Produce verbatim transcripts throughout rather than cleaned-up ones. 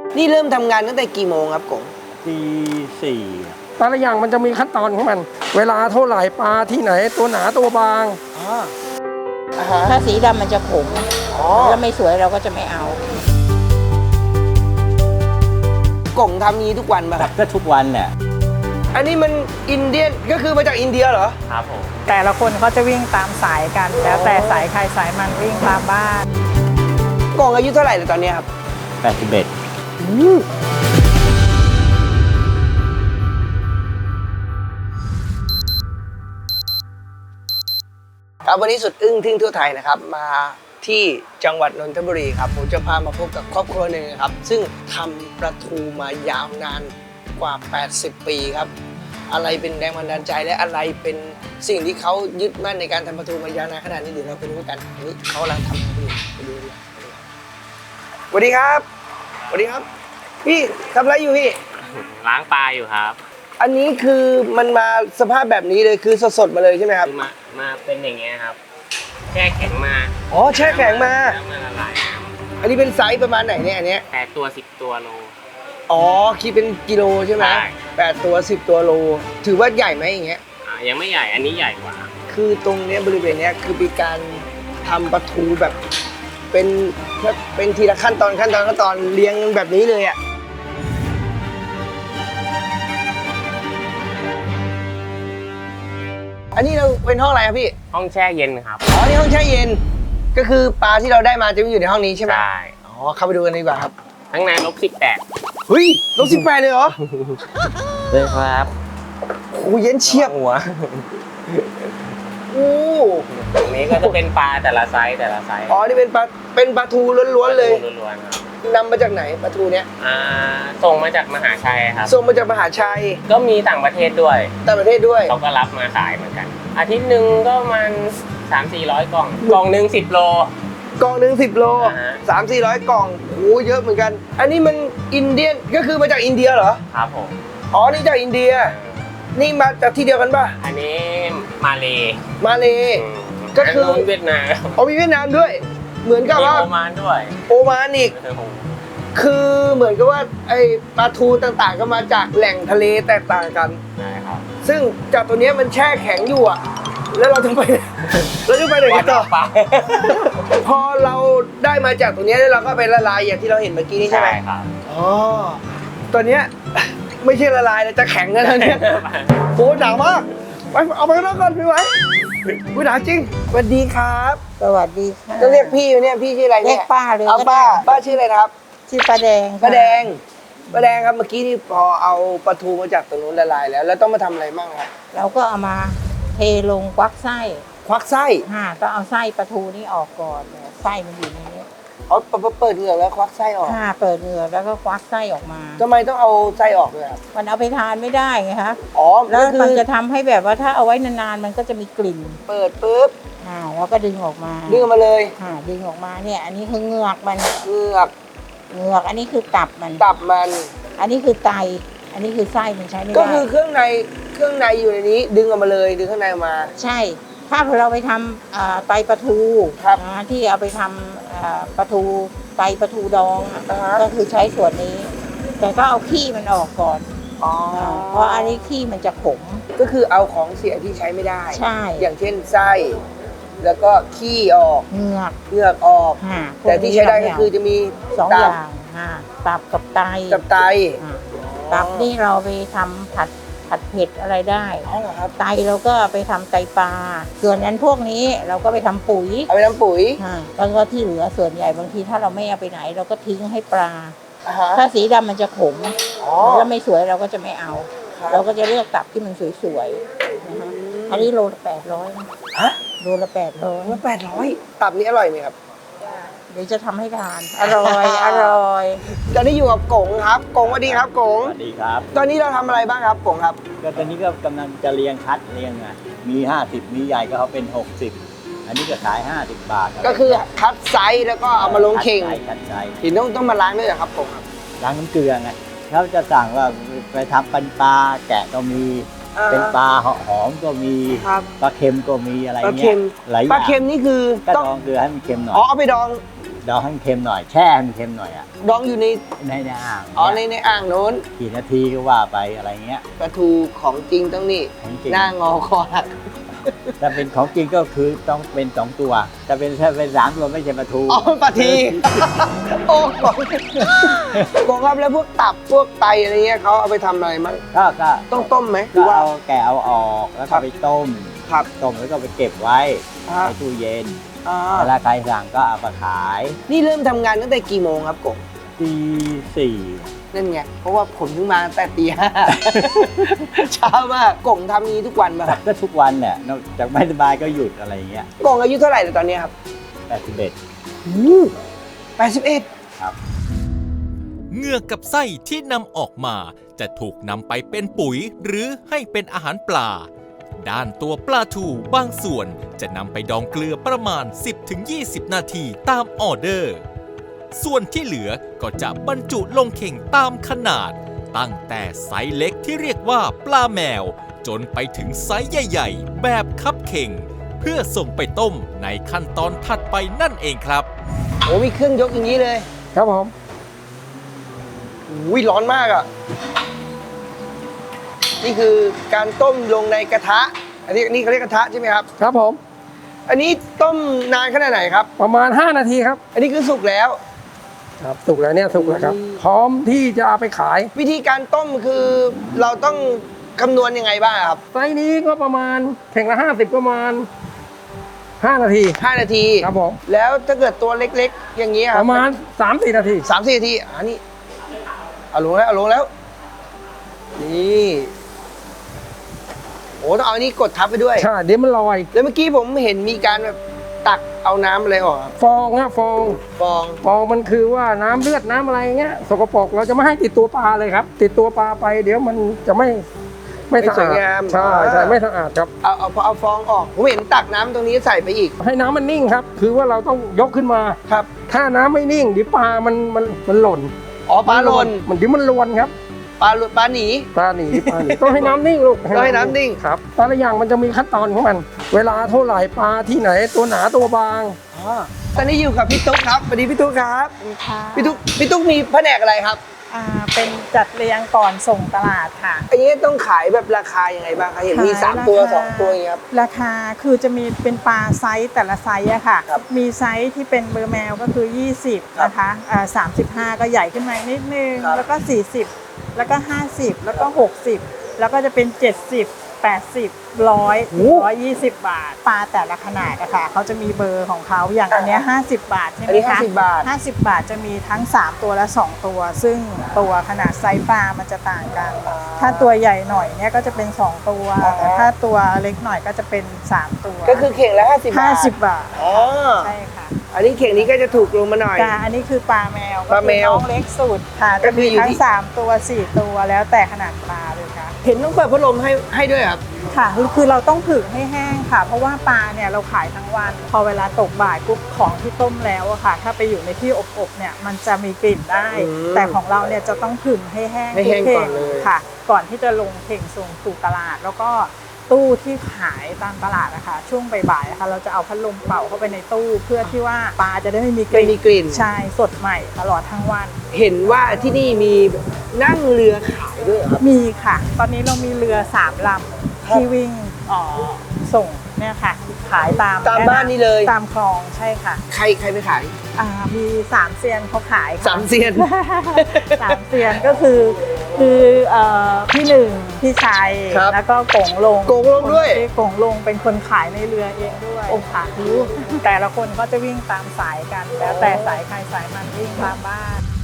นี่เริ่มทำงานตั้งแต่กี่โมงครับกงตีสี่แต่ละอย่างมันจะมีขั้นตอนของมัน เวลาเท่าไหร่ปลาที่ไหนตัวหนาตัวบางถ้าสีดำมันจะขมแล้วไม่สวยเราก็จะไม่เอากงทำนี้ทุกวันป่ะครับก็ทุกวันเนี่ยอันนี้มันอินเดียนก็คือมาจากอินเดียเหรอครับผมแต่ละคนเขาจะวิ่งตามสายกัน แล้วแต่สายใครสายมันวิ่งตามบ้านกงอายุเท่าไหร่เลยตอนนี้ครับแปดสิบเอ็ดครับวันนี้สุดอึ้งทึ่งทั่วไทยนะครับมาที่จังหวัดนนทบุรีครับผมจะพามาพบกับครอบครัวหนึ่งครับซึ่งทำปลาทูมายาวนานกว่าแปดสิบปีครับอะไรเป็นแรงบันดาลใจและอะไรเป็นสิ่งที่เขายึดมั่นในการทำปลาทูมายาวนานขนาดนี้เดี๋ยวเราไปดูกันอันนี้เขากำลังทำอะไรอยู่ไปดูดีสวัสดีครับสวัสดีครับพี่ทำอะไรอยู่พี่ล้างปลาอยู่ครับอันนี้คือมันมาสภาพแบบนี้เลยคือสดๆมาเลยใช่ไหมครับคือมามาเป็นอย่างเงี้ยครับแช่แข็งมาอ๋อแช่แข็งมาแล้วมาละลายอันนี้เป็นไซส์ประมาณไหนเนี่ยอันเนี้ยแปดตัวสิบตัวโลอ๋อคิดเป็นกิโลใช่ไหมแปดตัวสิบตัวโลถือว่าใหญ่ไหมอย่างเงี้ยอ่ายังไม่ใหญ่อันนี้ใหญ่กว่าคือตรงเนี้ยบริเวณเนี้ยคือมีการทำปลาทูแบบเป็นเป็นทีละขั้นตอนขั้นตอนขั้นตอนเรียงแบบนี้เลยอ่ะอันนี้เราเป็นห้องอะไรครับพี่ห้องแช่เย็นครับอ๋อนี่ห้องแช่เย็นก็คือปลาที่เราได้มาจะอยู่ในห้องนี้ใช่ไหมใช่อ๋อเข้าไปดูกันดีกว่าครับข้างในลบสิบแปดเฮ้ยลบสิบแปดเลยเหรอเลยครับโอ้เย็นเชียบหัวโอ้ตรงนี้ก็จะเป็นปลาแต่ละไซส์แต่ละไซส์อ๋อนี่เป็นปลาเป็นปลาทูล้วนๆเลยล้วนๆครับนำมาจากไหนปลาทูเนี้ยอ่าส่งมาจากมหาชัยครับส่งมาจากมหาชัยก็มีต่างประเทศด้วยต่างประเทศด้วยเขาก็รับมาขายเหมือนกันอาทิตย์หนึ่งก็มันสามสี่ร้อยกล่องกล่องหนึ่งสิบโลกล่องหนึ่งสิบโลสามสี่ร้อยกล่องโอ้เยอะเหมือนกันอันนี้มันอินเดียนก็คือมาจากอินเดียเหรอครับผมอ๋อนี่จากอินเดียนี่มาจากที่เดียวกันป่ะอันนี้มาเลมาเลก็คือเวียดนามอ๋อมีเวียดนามด้วยเหมือนกับว่าโอมานด้วยโอมานอีกคือเหมือนกับว่าไอ้ปลาทูต่างๆก็มาจากแหล่งทะเลแตกต่างกันใช่ครับซึ่งจากตัวนี้มันแช่แข็งอยู่อ่ะแล้วเราจะไปเราจะไปไหนกันต่อพอเราได้มาจากตัวนี้แล้วเราก็ไปละลายอย่างที่เราเห็นเมื่อกี้นี้ใช่ไหมครับอ๋อตัวเนี้ยไม่ใช่ละลายเลยจะแข็งแล้วเนี่ยโหหนาวมากไปเอาไปข้างนอกก่อนพี่ไว้วิหนาวจริงสวัสดีครับสวัสดีค่ะจะเรียกพี่เนี่ยพี่ชื่ออะไรเนี่ยเรียกป้าเลยเอาป้าป้าชื่ออะไรนะครับชื่อป้าแดงป้าแดงป้าแดงครับเมื่อกี้นี่พอเอาปลาทูมาจากตรงนู้นละลายแล้วแล้วต้องมาทำอะไรบ้างครับเราก็เอามาเทลงควักไส้ควักไส้ค่ะต้องเอาไส้ปลาทูนี่ออกก่อนไส้มันอยู่ในนี้อ๋อเปิดเหงือกแล้วควักไส้ออกค่ะเปิดเหงือกแล้วก็ควักไส้ออกมาทำไมต้องเอาไส้ออกด้วยครับมันเอาไปทานไม่ได้ไงคะอ๋อแล้วมันจะทำให้แบบว่าถ้าเอาไว้นานๆมันก็จะมีกลิ่นเปิดปุ๊บอ่าแล้วก็ดึงออกมาดึงออกมาเลยค่ะดึงออกมาเนี่ยอันนี้คือเหงือกมันเหงือกเหงือกอันนี้คือตับมันตับมันอันนี้คือไตอันนี้คือไส้มันใช้ไม่ได้ก็คือเครื่องในเครื่องในอยู่ในนี้ดึงออกมาเลยดึงข้างในออกมาใช่ถ้าเราไปทำไตปลาทูนะที่เอาไปทำปลาทูไตปลาทูดองก็คือใช้ส่วนนี้แต่ก็เอาขี้มันออกก่อนเพราะอันนี้ขี้มันจะขมก็คือเอาของเสียที่ใช้ไม่ได้ใช่อย่างเช่นไส้แล้วก็ขี้ออกเหงือกเหงือกออกแต่ที่ใช้ได้ก็คือจะมีสองอย่างตับกับไตตับไตตับนี่เราไปทำผัดผัดเผ็ดอะไรได้ไตเราก็ไปทำไตปลาส่วนนั้นพวกนี้เราก็ไปทำปุ๋ยเอาไปทำปุ๋ยแล้วก็ที่เหลือส่วนใหญ่บางทีถ้าเราไม่เอาไปไหนเราก็ทิ้งให้ปลาถ้าสีดำมันจะขมแล้วไม่สวยเราก็จะไม่เอาเราก็จะเลือกตับที่มันสวยๆอันนี้โลละแปดร้อยฮะโลละแปดร้อยโลละแปดร้อยตับนี้อร่อยไหมครับเดี๋ยวจะทำให้ทานอร่อยอร่อยตอนนี้อยู่กับกงครับกงสวัสดีครับกงสวัสดีครับตอนนี้เราทำอะไรบ้างครับกงครับก็ตอนนี้ก็กำลังจะเรียงคัดเรียงอ่ะมีห้าสิบมีใหญ่ก็เขาเป็นหกสิบอันนี้ก็ขายห้าสิบบาทก็คือคัดไซส์แล้วก็เอามาลงเข่งคัดไซส์ทีต้องต้องมาล้างด้วยเหรอครับกงครับล้างน้ำเกลือไงเขาจะสั่งว่าไปทำเป็นปลาแกะก็มีเป็นปลาหอมก็มีปลาเค็มก็มีอะไรเงี้ยปลาเค็มนี่คือก็ดองเกลือให้มันเค็มหน่อยอ๋อเอาไปดองดองให้มันเค็มหน่อยแช่ให้มันเค็มหน่อยอ่ะดองอยู่ในในในอ่างอ๋อในในอ่างโน้นกี่นาทีก็ว่าไปอะไรเงี้ยปลาทูของจริงต้องนี่ของจริงหน้างอคอหักถ้าเป็นของจริงก็คือต้องเป็นสองตัวถ้าเป็นถ้าเป็นสามตัวไม่ใช่ปลาทูอ๋อปลาที โอ้โหกงครับแล้วพวกตับพวกไตอะไรเงี้ยเขาเอาไปทำอะไรมั้งก็ก็ต้องต้มไหมหรืก็อว่าเอาแกะเอาออกแล้วครัก็บไปต้มครับต้มแล้วก็ไปเก็บไว้อ่าในตู้เย็นอ่าเวลาใครสั่งก็เอามาขายนี่เริ่มทำงานตั้งแต่กี่โมงครับกงตีสี่นั่นไงเพราะว่าผมเพิ่งมาตั้งแต่ตีห้า เช้ามากกงทำนี้ทุกวันป่ะครับก็ทุกวันเนี่ยนอกจากไม่สบายก็หยุดอะไรอย่างเงี้ยกงอายุเท่าไหร่เลยตอนนี้ครับแปดสิบเอ็ดแปดสิบเอ็ดครับเหงือกกับไส้ที่นำออกมาจะถูกนำไปเป็นปุ๋ยหรือให้เป็นอาหารปลา ด้านตัวปลาทูบางส่วนจะนำไปดองเกลือประมาณ สิบถึงยี่สิบ นาทีตามออเดอร์ ส่วนที่เหลือก็จะบรรจุลงเข่งตามขนาด ตั้งแต่ไซส์เล็กที่เรียกว่าปลาแมว จนไปถึงไซส์ใหญ่ๆ แบบคัพเข่ง เพื่อส่งไปต้มในขั้นตอนถัดไปนั่นเองครับโอ้มีเครื่องยกอย่างนี้เลยครับผมอุ้ยร้อนมากอ่ะ นี่คือการต้มลงในกระทะ อันนี้นี่เขาเรียกกระทะใช่ไหมครับครับผมอันนี้ต้มนานขนาดไหนครับประมาณ ห้า นาทีครับอันนี้คือสุกแล้วครับสุกแล้วเนี่ยสุกแล้วครับอืมพร้อมที่จะเอาไปขายวิธีการต้มคือเราต้องคำนวณยังไงบ้างครับไซส์นี้ก็ประมาณเข่งละห้าสิบประมาณห้านาทีห้านาทีครับผมแล้วถ้าเกิดตัวเล็กๆ อย่างนี้คปรับระมาณสามสี่นาทีสามสี่นาทีอันนี้เอาลงแล้วเอาลงแล้ว นี่โอ้ต้องเอาอันนี้กดทับไปด้วยใช่เดี๋ยวมันลอยแล้วเมื่อกี้ผมเห็นมีการแบบตักเอาน้ำอะไรออกครับฟองฮะฟองฟองฟองมันคือว่าน้ำเลือดน้ำอะไรเงี้ยสกปรกเราจะไม่ให้ติดตัวปลาเลยครับ ติดตัวปลาไปเดี๋ยวมันจะไม่ไม่สะไม่สวยอาดงามใช่ใช่ไม่สะอาดครับเอาเอาพอเอาฟองออกผมเห็นตักน้ำตรงนี้ใส่ไปอีกให้น้ำมันนิ่งครับ คือว่าเราต้องยกขึ้นมาครับถ้าน้ำไม่นิ่งเดี๋ยวปลามันมันมันหล่นอ๋อปลาหล่นมันเดี๋ยวมันลวนครับปลาหลุดปลาหนีปลาหนีปลาหนีต้องให้น้ำนิ่งลูกต้องให้น้ำนิ่งครับแต่ละอย่างมันจะมีขั้นตอนของมัน เวลาเท่าไหร่ปลาที่ไหนตัวหนาตัวบางอ๋อตอนนี้อยู่กับพี่ตุ๊กครับสวัสดีพี่ตุ๊กครับค่ะพี่ตุ๊กพี่ตุ๊กมีแผนกอะไรครับอ่าเป็นจัดเรียงก่อนส่งตลาดค่ะอันนี้ต้องขายแบบราคายังไงบ้างคะเห็นมีขายสามตัวราคาสองตัวอย่างเงี้ยครับราคาคือจะมีเป็นปลาไซส์แต่ละไซส์อะค่ะครับมีไซส์ที่เป็นเบอร์แมวก็คือ ยี่สิบครับนะคะอ่าสามสิบห้าก็ใหญ่ขึ้นมานิดนึงครับแล้วก็ สี่สิบ แล้วก็ ห้าสิบ แล้วก็ หกสิบ แล้วก็จะเป็น เจ็ดสิบ แปดสิบ ร้อยโอ้ร้อยยี่สิบบาท ปลาแต่ละขนาดอะค่ะเขาจะมีเบอร์ของเขาอย่างอันเนี้ยห้าสิบบาทใช่ไหอันมนี้คะห้าสิบบาทห้าสิบบาทจะมีทั้งสามตัวและสองตัว ซึ่งตัวขนาดไซส์ปลามันจะต่างกัน ถ้าตัวใหญ่หน่อยเนี่ยก็จะเป็นสองตัวอ่าแต่ถ้าตัวเล็กหน่อยก็จะเป็นสามตัวก็คือเข่งละห้าสิบบาทห้าสิบบาทอ๋อใช่ค่ะอันนี้เข่งนี้ก็จะถูกลงมาหน่อยกาอันนี้คือปลาแมวปลาแมวก็คือน้องเล็กสุดค่ะก็จะคือมีอยู่ทั้ที่งสามตัวสี่ตัวแล้วแต่ขนาดปลาเลยค่ะเห็นต้องเปิดพัดลมให้ให้ด้วยครับค่ะคือเราต้องผึ่งให้แห้งค่ะ เพราะว่าปลาเนี่ยเราขายทั้งวัน พอเวลาตกบ่ายปุ๊บของที่ต้มแล้วอะค่ะ ถ้าไปอยู่ในที่อบๆเนี่ยมันจะมีกลิ่นได้อืมแต่ของเราเนี่ยจะต้องผึ่งให้แห้งให้แห้งทุก่อนเลยค่ะ ก่อนที่จะลงเข่งส่งสู่ตลาด แล้วก็ตู้ที่ขายตามตลาดนะคะช่วงบ่ายๆนะคะเราจะเอาพัดลมเป่าเข้าไปในตู้ เพื่อที่ว่าปลาจะได้ไม่มีกไม่ลิ่นมีกลิ่นใช่สดใหม่ตลอดทั้งวันเห็นว่าที่นี่มีนั่งเรือขายด้วยเหรอครับมีค่ะ ตอนนี้เรามีเรือสามลำที่วิ่งเอ่อส่งเนี่ยค่ะ ขายตามตามบ้านนี่เลยตามคลองใช่ค่ะใครใครไปขายอ่ามีสามเซียนเขาขายค่ะสามเซียนสามเซียนก็คือคือเอ่อพี่หนึ่งพี่ชัยครับแล้วก็กงลงกงลงด้วยคนที่กงลงเป็นคนขายในเรือเองด้วยค่ะแต่ละคนก็จะวิ่งตามสายกัน แล้วแต่สายใครสายมันวิ่งตามบ้าน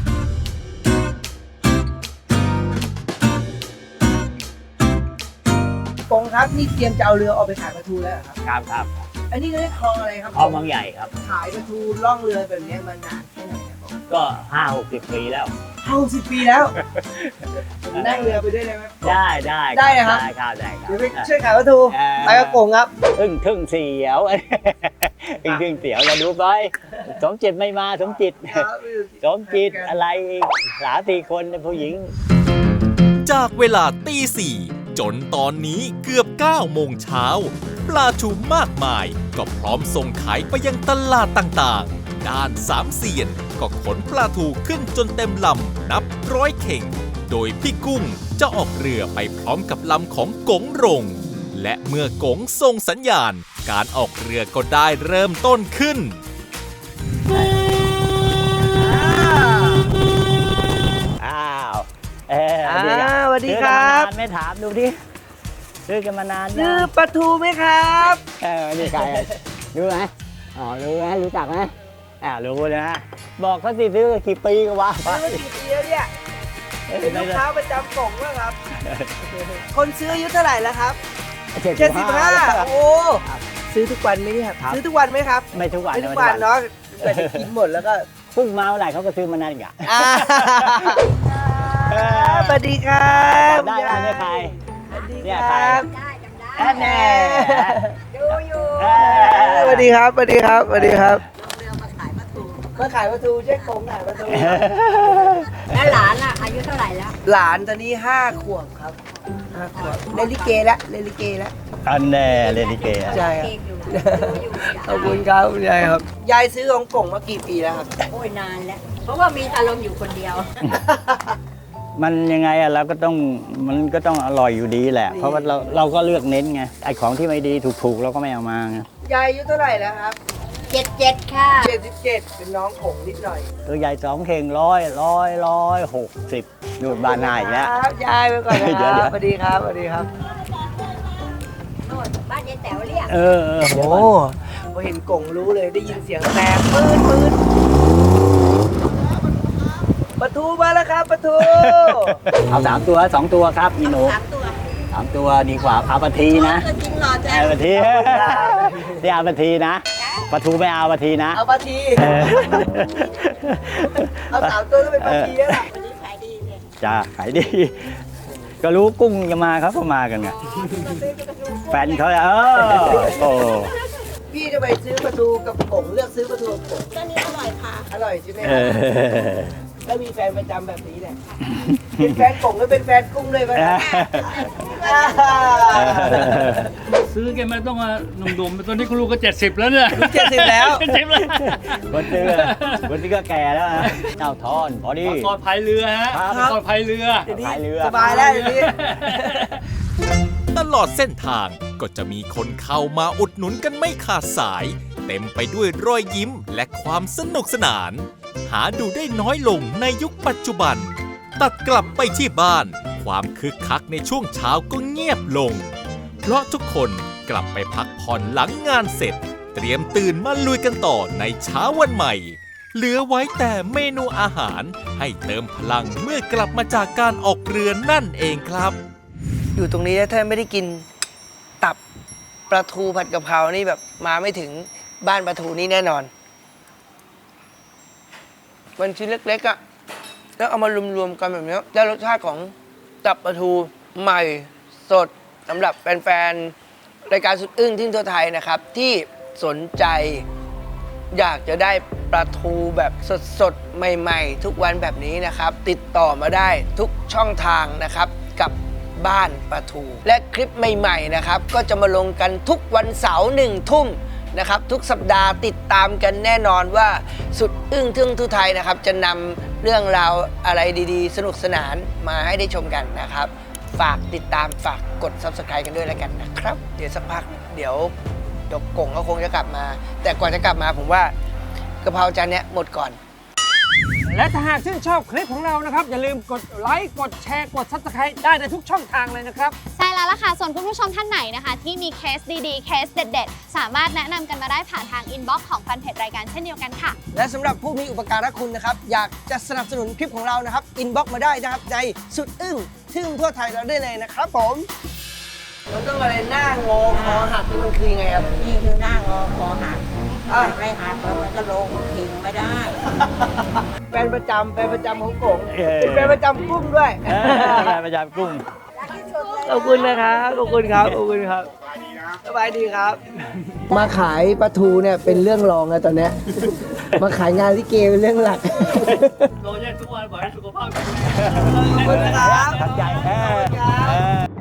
กงครับนี่เตรียมจะเอาเรือออกไปขายปลาทูแล้วเหรอครับครับครับอันนี้ก็ได้คลองอะไรครับคลองบางใหญ่ครับขายปลาทูล่องเรือแบบนี้มานานแค่ไหนครับผมก็ห้าหกสิบปีแล้วห้าสิบปีแล้วผมนั่งเรือไปด้วยได้ไหมได้ได้ได้นะครับได้ครับได้ครับเดี๋ยวไปช่วยขายปลาทูเออไปกับกงครับทึ่งทึ่งเสียว ทึ่งทึ่งเสียวเราดูไปสมจิตไม่มาสมจิต สมจิตอะไรอีกสามสี่คนผู้หญิงจากเวลาตีสี่จนตอนนี้เกือบเก้าโมงเช้าปลาทูมากมายก็พร้อมส่งขายไปยังตลาดต่างๆด้านสามเสียนก็ขนปลาทูขึ้นจนเต็มลำนับร้อยเข่ง โดยพี่กุ้งจะออกเรือไปพร้อมกับลำของกงรง และเมื่อกงส่งสัญญาณการออกเรือก็ได้เริ่มต้นขึ้นอ้าวเอออ่าดีอ่ะสวัสดีครับซื้อกันมานานไม่ถามดูดิซื้อกันมานานซื้อยังปลาทูไหมครับเออนี่ใครอ่ะรู้ไหมอ๋อรู้ไหมรู้จักไหมอ่ารู้เลยนะบอกเขาสิซื้อกี่ปีก็ว่าไปซื้อมากี่ปีแล้วเนี่ย เป็นลูกค้าประจำกล่องแล้วครับ คนซื้ออายุเท่าไหร่แล้วครับเจ็ดเจ็ดสิสิบบ ห้าห้าโอ้ซื้อทุกวันไหมเนี่ยครับซื้อทุกวันไหมครับไม่ทุกวันไม่ทุกวันเนาะเกิดจะกินหมดแล้วก็พุ่งมาเมื่อไหร่เขาก็ซื้อมานานอีกอ่ะอ่าสวัสดีครับได้ได้เนี่ยใครสวัสดีเนี่ยคใครรับแอนแน่สวัสดีครับสวัสดีครับสวัสดีครับมาขายปลาทูใช่กงขายปลาทูแล้วหลานอ่ะอายุเท่าไหร่แล้วหลานตอนนี้ห้าขวบครับห้าขวบเล่นลิเกแล้วเล่นลิเกแล้วอันแน่เลนิเกะใช่ครับเด็กอยู่อยู่ขอบคุณครับคุณยายครับ ยายซื้อของกงมากี่ปีแล้วครับโอ้ยนานแล้ว เพราะว่ามีอารมณ์อยู่คนเดียวมันยังไงอะเราก็ต้องมันก็ต้องอร่อยอยู่ดีแหละ เพราะว่าเราเราก็เลือกเน้นไงไอ้ของที่ไม่ดีถูกๆเราก็ไม่เอามาไงยายอายุเท่าไหร่แล้วครับเจ็ดเจ็ดค่ะเจ็ดสิบเจ็ดเป็นน้องกงนิดหน่อยตัวใหญ่สองเข่งร้อยร้อยร้อยหกสิบนูดบานหน้าอีกแล้วครับยายไปก่อนนะเดี๋คยวรับสวัสดีครับสวัสดีครับโน่นบ้านยายแต๋วเรียกเออเออโอ้พอเห็นกงรู้เลยได้ยินเสียงแตกปืนปืนปลาทูมาแล้วครับปลาทูเอาสามตัวสองตัวครับอีหนูสามตัวสามตัวดีกว่าเอาปลาทีนะตัวจริงหล่อจังเอาปลาทีที่เอาปลาทีนะปลาทูไม่เอาปลาทีนะเอาปลาทีเออเอาสามตัวก็เป็นปลาทีแล้วล่ะวันนี้ขายดีเลยจ้าขายดี ก็รู้กุ้งจะมาเขาก็มากันไงแฟนเขาเออโอ้พี่จะไปซื้อปลาทูกับกงเลือกซื้อปลาทูกับกงตัวนี้อร่อยค่ะอร่อยใช่ไหมคเอรับอแล้วมีแฟนประจำแบบนี้เนี่ยเป็นแฟนกงหรือเป็นแฟนกุ้งเลยไหมอ่าซื้อแกมาต้องมาหนุ่มๆตอนนี้คุณลูกก็เจ็ดสิบแล้วเนี่ยเจ็ดสิบแล้วเจ็ดสิบแล้วคนซื้อคนที่ก็แก่แล้วนะเจ้าทอนพอดีก่อนพายเรือฮะครับก่อนพายเรือเดี๋ยวนี้พายเรือสบายแล้วเดี๋ยวนี้ตลอดเส้นทางก็จะมีคนเข้ามาอุดหนุนกันไม่ขาดสาย เต็มไปด้วยรอยยิ้มและความสนุกสนาน หาดูได้น้อยลงในยุคปัจจุบัน ตัดกลับไปที่บ้าน ความคึกคักในช่วงเช้าก็เงียบลง เพราะทุกคนกลับไปพักผ่อนหลังงานเสร็จ เตรียมตื่นมาลุยกันต่อในเช้าวันใหม่ เหลือไว้แต่เมนูอาหารให้เติมพลังเมื่อกลับมาจากการออกเรือนั่นเองครับอยู่ตรงนี้ถ้าไม่ได้กินตับปลาทูผัดกะเพรานี่แบบมาไม่ถึงบ้านปลาทูนี่แน่นอน มันชิ้นเล็กๆอะ่ะแล้วเอามารวมๆกันแบบนี้ได้รสชาติของตับปลาทูใหม่สดสำหรับแฟนๆรายการสุดอึ้งที่ทั่วไทยนะครับ ที่สนใจอยากจะได้ปลาทูแบบสดๆ ใหม่ๆ ทุกวันแบบนี้นะครับ ติดต่อมาได้ทุกช่องทางนะครับกับบ้านปลาทู และคลิปใหม่ๆนะครับก็จะมาลงกันทุกวันเสาร์หนึ่งทุ่มนะครับทุกสัปดาห์ติดตามกันแน่นอนว่าสุดอึ้งทึ่งทั่วไทยนะครับจะนำเรื่องราวอะไรดีๆ สนุกสนานมาให้ได้ชมกันนะครับ ฝากติดตามฝากกด ซับสไครบ์ กันด้วยแล้วกันนะครับ เดี๋ยวสักพักเดี๋ยวดกกงก็คงจะกลับมา แต่ก่อนจะกลับมาผมว่ากะเพราจานเนี้ยหมดก่อนและถ้าหากชื่นชอบคลิปของเรานะครับ อย่าลืมกดไลค์กดแชร์กด ซับสไครบ์ ได้ในทุกช่องทางเลยนะครับใช่แล้วล่ะค่ะ ส่วนคุณผู้ชมท่านไหนนะคะ ที่มีเคสดีๆ เคสเด็ดๆ สามารถแนะนำกันมาได้ผ่านทางอินบ็อกซ์ของแฟนเพจรายการเช่นเดียวกันค่ะและสำหรับผู้มีอุปการะคุณนะครับ อยากจะสนับสนุนคลิปของเรานะครับ อินบ็อกซ์มาได้นะครับในสุดอึ้งทึ่งทั่วไทยเราได้เลยนะครับผมมันต้องอะไรหน้างอคอหักนี่มันคือยังไงครับนี่คือหน้างอคอหักอ่ะไม่หักแล้วมันก็ลงทิ้งไม่ได้แฟนประจำแฟนประจำของกงเออเป็นแฟนประจำกุ้งด้วยเออประจำกุ้งขอบคุณนะครับขอบคุณครับขอบคุณครับสบายดีครับ มาขายปลาทูเนี่ยเป็นเรื่องรองแล้วตอนเนี้ยมาขายงานลิเกเป็นเรื่องหลักโรยแยกทุกวันบอกให้สุขภาพขอบคุณนะครับทัดใจแค่